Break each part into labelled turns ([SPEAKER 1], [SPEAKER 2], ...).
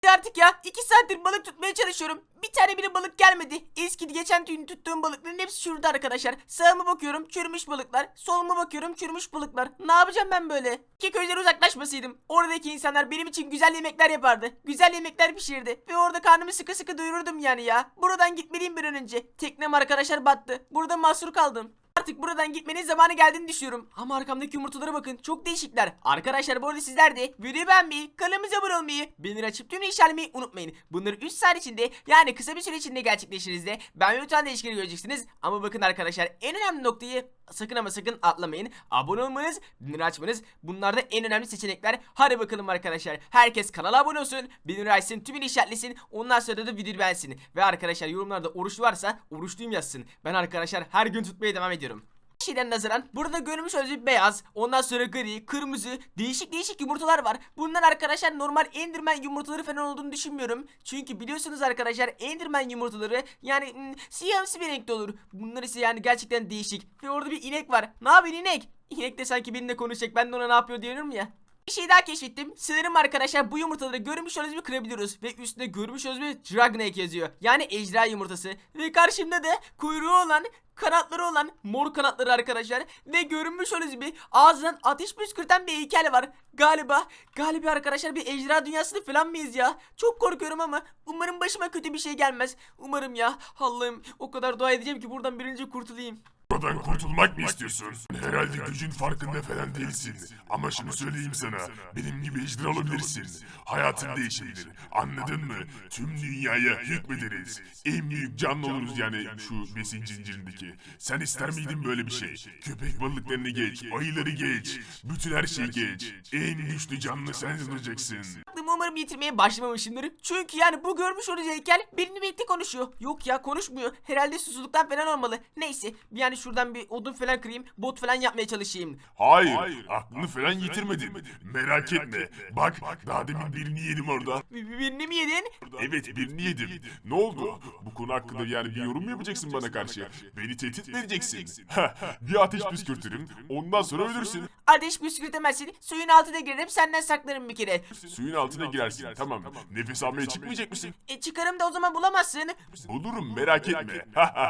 [SPEAKER 1] Artık ya 2 saattir balık tutmaya çalışıyorum. Bir tane bile balık gelmedi. Geçen gün tuttuğum balıkların hepsi çürüdü arkadaşlar. Sağıma bakıyorum çürümüş balıklar. Soluma bakıyorum çürümüş balıklar. Ne yapacağım ben böyle? Ki köyden uzaklaşmasaydım. Oradaki insanlar benim için güzel yemekler yapardı. Güzel yemekler pişirirdi. Ve orada karnımı sıkı sıkı doyururdum yani ya. Buradan gitmeliyim bir an önce. Teknem arkadaşlar battı. Burada mahsur kaldım. Artık buradan gitmenin zamanı geldiğini düşünüyorum. Ama arkamdaki yumurtalara bakın. Çok değişikler. Arkadaşlar bu arada sizler de videoyu beğenmeyi, kanalımıza abone olmayı, bildirim açıp tüm işaretlemeyi unutmayın. Bunları 3 saat içinde yani kısa bir süre içinde gerçekleştiğinizde ben ve lütfen değişikleri göreceksiniz. Ama bakın arkadaşlar en önemli noktayı sakın ama sakın atlamayın. Abone olmanız, bildirim açmanız bunlar da en önemli seçenekler. Hadi bakalım arkadaşlar. Herkes kanala abone olsun, bildirim açsın, tümünü işaretlesin. Ondan sonra da videoyu beğensin. Ve arkadaşlar yorumlarda oruç varsa oruçluyum yazsın. Ben arkadaşlar her gün tutmaya devam ediyorum. Şeyden nazaran burada görmüş olduğunuz beyaz, ondan sonra gri, kırmızı, değişik yumurtalar var. Bunlar arkadaşlar normal Enderman yumurtaları falan olduğunu düşünmüyorum. Çünkü biliyorsunuz arkadaşlar Enderman yumurtaları yani siyahımsı bir renkte olur. Bunlar ise yani gerçekten değişik. Ve orada bir inek var. Ne yapıyor inek? İnek de sanki benimle konuşacak. Ben de ona ne yapıyor diyorum ya. Bir şey daha keşfettim. Sanırım arkadaşlar bu yumurtaları görmüş olduğunuz gibi kırabiliyoruz. Ve üstünde görmüş olduğunuz gibi Dragon Egg yazıyor. Yani ejderha yumurtası. Ve karşımda da kuyruğu olan, kanatları olan, mor kanatları arkadaşlar. Ve görünmüş olduğunuz gibi ağzından ateş püskürten bir heykel var. Galiba arkadaşlar bir ejderha dünyasında falan mıyız ya? Çok korkuyorum ama umarım başıma kötü bir şey gelmez. Umarım ya. Allah'ım o kadar dua edeceğim ki buradan bir an önce kurtulayım.
[SPEAKER 2] Buradan kurtulmak mı istiyorsun? Herhalde gücün farkında falan değilsin. Ama şunu söyleyeyim sana. Benim gibi ejder olabilirsin. Hayatın değişebilir. Anladın mı? Tüm dünyaya hükmederiz. En büyük canlı oluruz yani şu besin zincirindeki. Sen ister miydin böyle bir şey? Köpek balıklarını geç, ayıları geç. Bütün her şeyi geç. En güçlü canlı sen olacaksın.
[SPEAKER 1] Aklımı umarım yitirmeye başlamamışımdır. Çünkü yani bu görmüş olduğunuz heykel benimle birlikte konuşuyor. Yok ya konuşmuyor. Herhalde susuzluktan falan olmalı. Neyse yani şuradan bir odun falan kırayım. Bot falan yapmaya çalışayım.
[SPEAKER 2] Hayır, aklını falan yitirmedin. Merak etme. Bak, daha demin birini yedim orada.
[SPEAKER 1] Birini mi yedin?
[SPEAKER 2] Evet, birini yedim. Ne oldu? Bu konu hakkında yani bir yorum mu yapacaksın bana karşı? Beni tehdit mi edeceksin? Bir ateş püskürtürüm, ondan sonra ölürsün.
[SPEAKER 1] Ateş püskürtemezsin. Suyun altına girerim senden saklarım bir kere.
[SPEAKER 2] Suyun altına girersin, tamam. Nefes almaya çıkmayacak mısın?
[SPEAKER 1] Çıkarım da o zaman bulamazsın.
[SPEAKER 2] Bulurum, merak etme.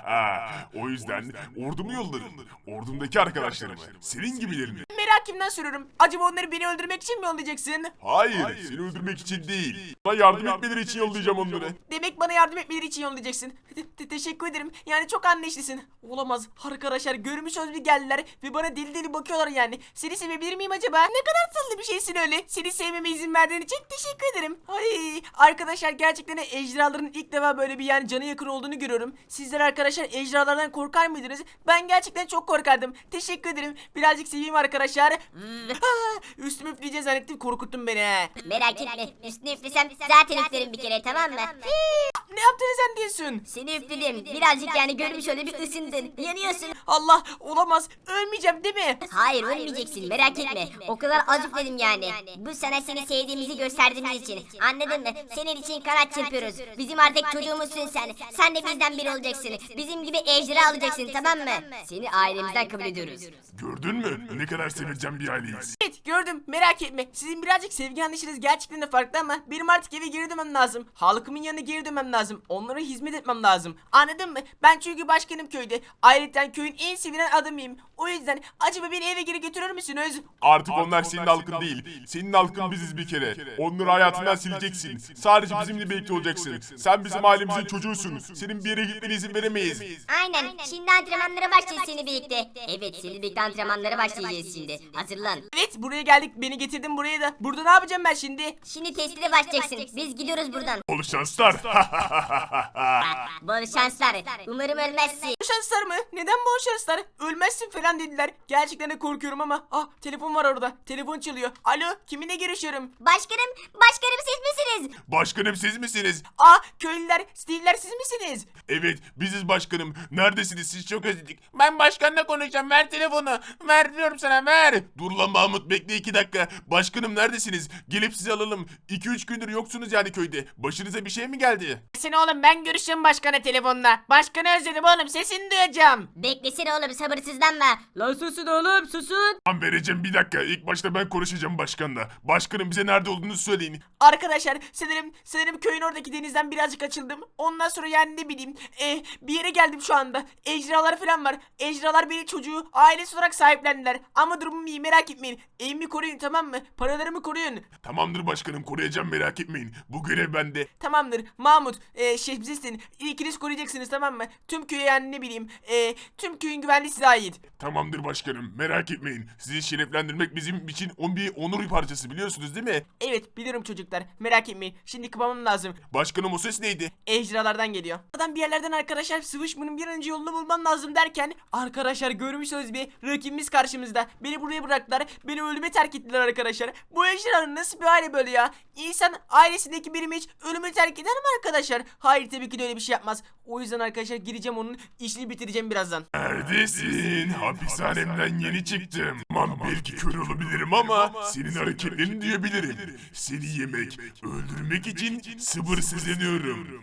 [SPEAKER 2] O yüzden ordumu yollarım. Ordumdaki arkadaşlarımı, senin gibilerini.
[SPEAKER 1] Merakımdan soruyorum. Acaba onları beni öldürmek için mi yollayacaksın?
[SPEAKER 2] Hayır, seni öldürmek için değil. Bana yardım etmeleri için yollayacağım onları.
[SPEAKER 1] Demek bana yardım etmeleri için yollayacaksın. Teşekkür ederim. Yani çok anlayışlısın. Olamaz. Arkadaşlar görmüş olduğunuz gibi geldiler ve bana deli deli bakıyorlar yani. Seni sevebilir miyim acaba? Ne kadar tatlı bir şeysin öyle. Seni sevmeme izin verdiğin için teşekkür ederim. Ay arkadaşlar gerçekten ejderhaların ilk defa böyle bir yani canı yakın olduğunu görüyorum. Sizler arkadaşlar ejderhalardan korkar mıydınız? Ben gerçekten çok korkardım. Teşekkür ederim. Birazcık seveyim arkadaşlar. Üstümü üfleyeceğiz zannettim korkuttun beni he.
[SPEAKER 3] Merak etme, üstüne üflesem zaten üflerim bir kere, tamam mı?
[SPEAKER 1] Ne yaptın sen diyorsun?
[SPEAKER 3] Seni üfledim, birazcık yani görmüş öyle bir ısındın, yanıyorsun.
[SPEAKER 1] Allah olamaz. Ölmeyeceğim değil mi?
[SPEAKER 3] Hayır, ölmeyeceksin, merak etme. O kadar az üfledim yani. Bu sana seni sevdiğimizi gösterdiğimiz için. Anladın mı? Senin için kanat çırpıyoruz. Bizim artık çocuğumuzsun sen. Sen de bizden biri olacaksın. Bizim gibi ejderha olacaksın, tamam mı? Seni ailemizden kabul ediyoruz.
[SPEAKER 2] Gördün mü? Ne kadar seveceğim bir aileyiz.
[SPEAKER 1] Evet gördüm merak etme. Sizin birazcık sevgi anlayışınız gerçekten de farklı ama benim artık eve geri dönmem lazım. Halkımın yanına geri dönmem lazım. Onlara hizmet etmem lazım. Anladın mı? Ben çünkü başkanım köyde. Ayrıca köyün en sevilen adamıyım. O yüzden acaba beni eve geri götürür müsünüz?
[SPEAKER 2] Artık onlar senin halkın değil. Senin halkın biziz bir kere. Onları hayatından sileceksin. Sadece bizimle birlikte olacaksın. Sen bizim ailemizin çocuğusun. Senin bir yere gitmene izin veremeyiz.
[SPEAKER 3] Aynen, şimdi antrenmanlara başlayacağız seninle birlikte. Evet, seninle birlikte antrenmanlara başlayacağız şimdi. Hazırlan.
[SPEAKER 1] Evet buraya geldik. Beni getirdin buraya da. Burada ne yapacağım ben şimdi?
[SPEAKER 3] Şimdi testine başlayacaksın. Biz gidiyoruz buradan.
[SPEAKER 2] Bol şanslar.
[SPEAKER 3] Bol şanslar. Umarım ölmezsin.
[SPEAKER 1] Bu şanslar mı? Neden bu şanslar? Ölmezsin falan dediler. Gerçekten de korkuyorum ama. Ah telefon var orada. Telefon çalıyor. Alo kiminle görüşüyorum?
[SPEAKER 3] Başkanım siz misiniz?
[SPEAKER 2] Başkanım siz misiniz?
[SPEAKER 1] Ah köylüler, Steve'ler siz misiniz?
[SPEAKER 2] Evet, biziz başkanım. Neredesiniz? Siz çok özledik.
[SPEAKER 4] Ben başkanla konuşacağım. Ver telefonu. Ver diyorum sana, ver.
[SPEAKER 2] Dur lan Mahmut, bekle 2 dakika. Başkanım neredesiniz? Gelip sizi alalım. 2-3 gündür yoksunuz yani köyde. Başınıza bir şey mi geldi?
[SPEAKER 1] beklesene oğlum, ben görüşeceğim başkana telefonla. Başkanı özledim oğlum, sesini duyacağım.
[SPEAKER 3] Beklesene oğlum, sabırsızlanma.
[SPEAKER 5] Lan susun oğlum susun.
[SPEAKER 2] Tamam vereceğim, bir dakika. İlk başta ben konuşacağım başkanla. Başkanım bize nerede olduğunu söyleyin.
[SPEAKER 1] Arkadaşlar sanırım köyün oradaki denizden birazcık açıldım. Ondan sonra yani ne bileyim bir yere geldim şu anda. Ejderhalar falan var. Ejderhalar beni, çocuğu, ailesi olarak sahiplendiler. Ama durumum iyi, merak etmeyin. Evimi koruyun, tamam mı? Paralarımı koruyun.
[SPEAKER 2] Tamamdır başkanım, koruyacağım, merak etmeyin. Bu görev bende.
[SPEAKER 1] Tamamdır Mahmut, Şehbizestin, ikiniz koruyacaksınız, tamam mı? Tüm köye yani ne bileyim tüm köyün güvenliği size ait.
[SPEAKER 2] Tamamdır başkanım, merak etmeyin. Sizi şereflendirmek bizim için bir onur parçası, biliyorsunuz değil mi?
[SPEAKER 1] Evet biliyorum çocuklar, merak etmeyin. Şimdi kıvamam lazım.
[SPEAKER 2] Başkanım o ses neydi?
[SPEAKER 1] Ejderhalardan geliyor. Adam bir yerlerden arkadaşlar sıvışmanın bir an önce yolunu bulmam lazım derken arkadaşlar görmüşsünüz bir rakibimiz karşımızda. Beni buraya bıraktılar. Beni ölüme terk ettiler arkadaşlar. Bu ejderhanın nasıl bir hali böyle ya? İnsan ailesindeki birimi hiç ölüme terk eder mi arkadaşlar? Hayır, tabii ki de öyle bir şey yapmaz. O yüzden arkadaşlar gireceğim, onun işini bitireceğim birazdan.
[SPEAKER 2] Neredesin? Hapishanemden yeni çıktım. Tamam belki kör olabilirim ama senin hareketlerini duyabilirim. Seni yemek, öldürmek için sabırsızlanıyorum.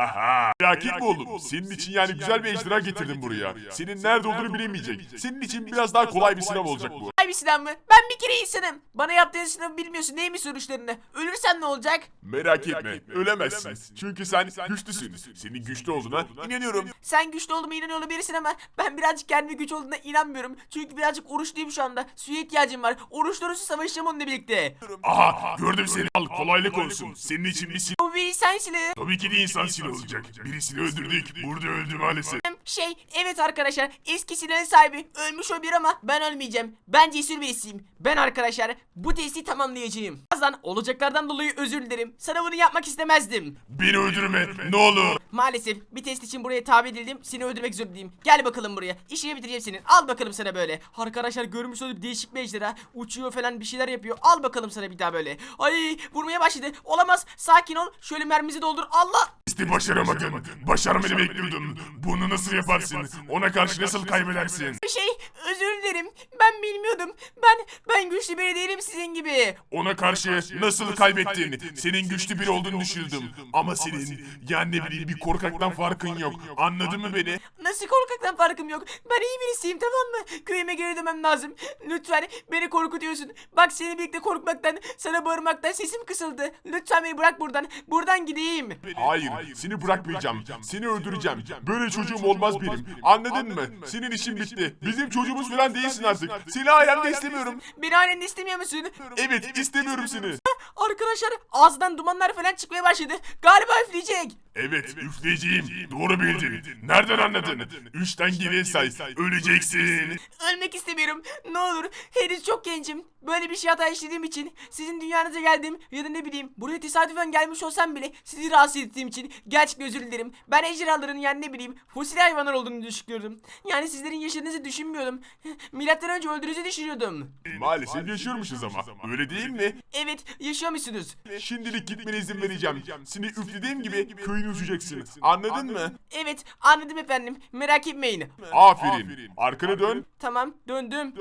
[SPEAKER 2] Merak etme oğlum. Senin için yani güzel bir ejderha getirdim buraya. Senin nerede olduğunu bilemeyecek. Senin için biraz daha kolay bir sınav olacak bu.
[SPEAKER 1] Ay bir silah mı? Ben bir kere insanım. Bana yaptığın sınavı bilmiyorsun, neymiş sonuçlarını? Ölürsen ne olacak?
[SPEAKER 2] Merak etme, ölemezsin. Çünkü sen güçlüsün. Senin güçlü olduğuna inanıyorum.
[SPEAKER 1] Sen güçlü olduğuma inanıyor olabilirsin ama ben birazcık kendime güç olduğuna inanmıyorum. Çünkü birazcık oruçluyum şu anda. Suya ihtiyacım var. Oruç dolusu savaşacağım onunla birlikte.
[SPEAKER 2] Aha, gördüm seni. Al, kolaylık olsun. Senin için bir silah.
[SPEAKER 1] Bu bir insan silahı.
[SPEAKER 2] Tabii ki de insan silahı olacak. Birisini öldürdük. Burada öldü maalesef.
[SPEAKER 1] Evet arkadaşlar, eski silahın sahibi ölmüş olabilir ama ben ölmeyeceğim. Ben cesur birisiyim. Ben arkadaşlar bu testi tamamlayacağım. Birazdan olacaklardan dolayı özür dilerim. Sana bunu yapmak istemezdim.
[SPEAKER 2] Beni öldürme, ne olur.
[SPEAKER 1] Maalesef bir test için buraya tabi edildim. Seni öldürmek zorundayım. Gel bakalım buraya. İşini bitireceğim senin. Al bakalım sana böyle. Arkadaşlar görmüş olduğum değişik bir ejderha. Uçuyor falan, bir şeyler yapıyor. Al bakalım sana bir daha böyle. Ay, vurmaya başladı. Olamaz. Sakin ol. Şöyle mermimizi doldur. Allah.
[SPEAKER 2] İşte başaramadın. Başarmanı bekliyordum. Bunu nasıl yaparsın? Ona karşı nasıl kaybedersin?
[SPEAKER 1] Özür dilerim. Ben bilmiyordum. Ben güçlü biri değilim sizin gibi.
[SPEAKER 2] Ona karşı nasıl kaybettin? Senin güçlü biri olduğunu düşündüm. Ama senin yani ne bileyim bir korkaktan farkın yok. Anladın mı beni?
[SPEAKER 1] Nasıl korkaktan farkım yok? Ben iyi birisiyim, tamam mı? Köyüme geri dönmem lazım. Lütfen beni korkutuyorsun. Bak, seni birlikte korkmaktan, sana bağırmaktan sesim kısıldı. Lütfen beni bırak buradan. Buradan gideyim.
[SPEAKER 2] Hayır, seni bırakmayacağım. Seni öldüreceğim. Böyle çocuğum olmaz benim. Anladın mı? Senin işin bitti. Bizim çocuğumuz falan değilsin artık. Seni ailemde istemiyorum.
[SPEAKER 1] Beni ailende istemiyor musun?
[SPEAKER 2] Evet, istemiyorum seni.
[SPEAKER 1] Arkadaşlar ağzından dumanlar falan çıkmaya başladı. Galiba üfleyecek.
[SPEAKER 2] Evet, üfleyeceğim. Doğru bildin. Nereden anladın? 3'ten geriye say. Öleceksin.
[SPEAKER 1] Ölmek istemiyorum. Ne olur. Henüz çok gencim. Böyle bir şey hata işlediğim için, sizin dünyanıza geldim ya da ne bileyim buraya tesadüfen gelmiş olsam bile sizi rahatsız ettiğim için gerçekten özür dilerim. Ben ejderhaların yani ne bileyim fosil hayvanlar olduğunu düşünüyordum. Yani sizlerin yaşadığınızı düşünmüyordum. Milattan önce öldüğünüzü düşünüyordum.
[SPEAKER 2] Maalesef yaşıyormuşuz ama. Öyle değil mi?
[SPEAKER 1] Evet, yaşıyor musunuz?
[SPEAKER 2] Şimdilik gitmene izin vereceğim. Seni üflediğim gibi köyünü uçacaksın. Anladın mı?
[SPEAKER 1] Evet, anladım efendim. Merak etmeyin.
[SPEAKER 2] Aferin. Arkana dön.
[SPEAKER 1] Tamam, döndüm.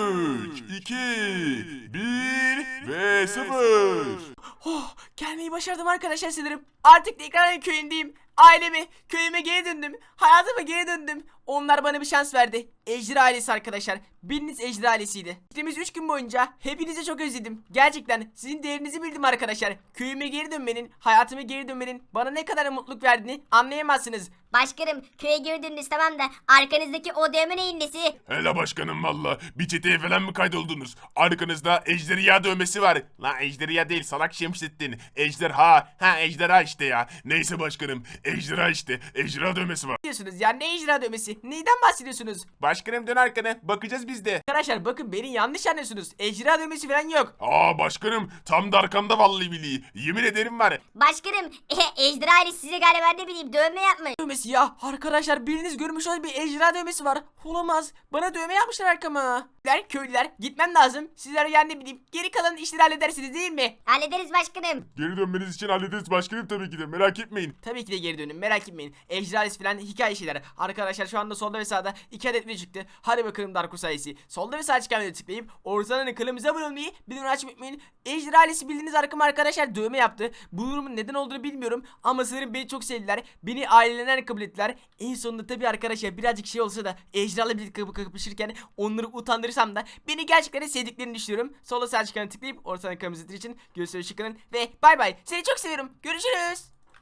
[SPEAKER 2] 3, 2, 1 ve 0.
[SPEAKER 1] Oh, gelmeyi başardım arkadaşlar sanırım. Artık tekrar köyündeyim. Aileme, köyüme geri döndüm. Hayatıma geri döndüm. Onlar bana bir şans verdi. Ejderha ailesi arkadaşlar. Biriniz ejderha ailesiydi. Gittiğimiz 3 gün boyunca hepinizi çok özledim. Gerçekten sizin değerinizi bildim arkadaşlar. Köyüme geri dönmenin, hayatıma geri dönmenin bana ne kadar mutluluk verdiğini anlayamazsınız.
[SPEAKER 3] Başkanım, köye girdiniz tamam da arkanızdaki o dövme neyin nesi?
[SPEAKER 2] Hele başkanım valla. Bir çeteye falan mı kaydoldunuz? Arkanızda ejderha dövmesi var. Lan ejderha değil salak Şemsettin. Ejderha. Ha ejderha işte ya. Neyse başkanım. Ejderha işte. Ejderha dövmesi var.
[SPEAKER 1] Diyorsunuz ya, ne ejderha dövmesi? Neyden bahsediyorsunuz?
[SPEAKER 4] Başkanım dön arkana. Bakacağız biz de.
[SPEAKER 1] Arkadaşlar bakın, beni yanlış anlıyorsunuz. Ejderha dövmesi falan yok.
[SPEAKER 2] Aa başkanım tam da arkamda vallahi billahi. Yemin ederim var.
[SPEAKER 3] Başkanım, ejderha ailesi size galiba ne bileyim dövme yapmış.
[SPEAKER 1] Dövmesi dövmesi ya. Arkadaşlar biriniz görmüş olan bir ejderha dövmesi var. Olamaz. Bana dövme yapmışlar arkama. Köylüler gitmem lazım. Sizler yani bileyim. Geri kalan işleri halledersiniz değil mi?
[SPEAKER 3] Hallederiz başkanım.
[SPEAKER 2] Geri dönmeniz için hallederiz başkanım tabii ki de merak etmeyin.
[SPEAKER 1] Tabii ki de geri dönün, merak etmeyin. Ejderhalis falan hikaye şeyler. Arkadaşlar şu anda solda ve sağda 2 adet video çıktı. Hadi bakalım Darko sayısı. Solda ve sağ çıkan videoya tıklayıp ortadan kanalımıza abone olmayı, bildirim açmayı unutmayın. Ejderhalisi bildiğiniz arkama arkadaşlar dövme yaptı. Bu durumun neden olduğunu bilmiyorum ama sanırım beni çok sevdiler. Beni ailelerinden kabul ettiler. En sonunda tabii arkadaşlar birazcık şey olsa da ejderhalarla birlikte kapışırken onları utandırırsam da beni gerçekten sevdiklerini düşünüyorum. Solda sağ çıkanı tıklayıp ortadan kanalımıza için görüşürüz, çıkın ve bay bay. Seni çok seviyorum. Görüşürüz.